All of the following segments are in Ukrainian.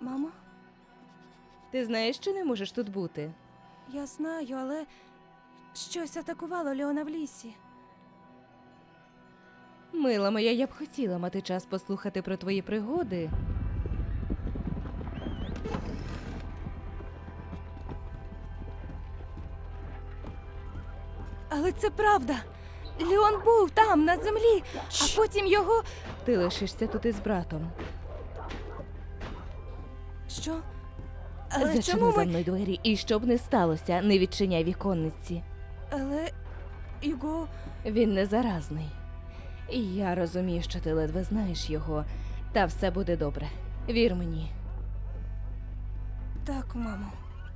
Мамо, Ти знаєш, що не можеш тут бути? я знаю, але щось атакувало Леона в лісі. Мила моя, я б хотіла мати час послухати про твої пригоди. Але це правда. Леон був там, на землі, а потім його. Ти лишишся тут із братом. Що? Але Зачини чому за ми. мною двері, і щоб не сталося, не відчиняй віконниці. Але його. Він не заразний. І я розумію, що ти ледве знаєш його, та все буде добре. Вір мені. Так, мамо.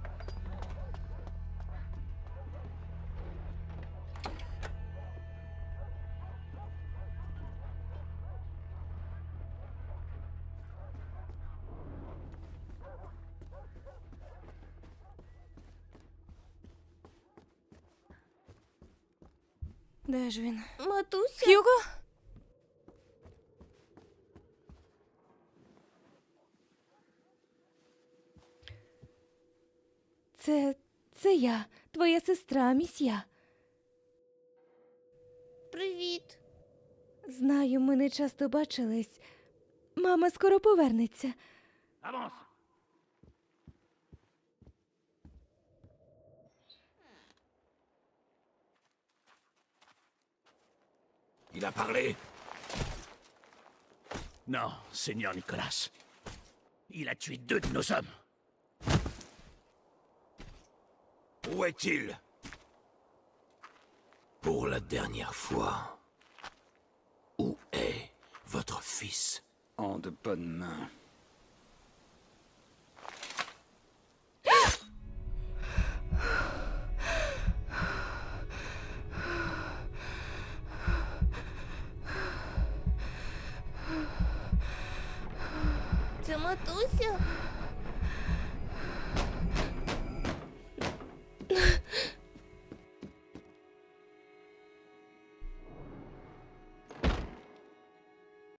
Де ж він? Матуся? Х'юго? Це я, твоя сестра, місья. Привіт. Знаю, ми не часто бачились. Мама скоро повернеться. Avance! Il a parlé? Non, Seigneur Nicolas. Il a tué 2 de nos hommes. Où est-il? Pour la dernière fois. Où est votre fils? En de bonnes mains. Це матуся?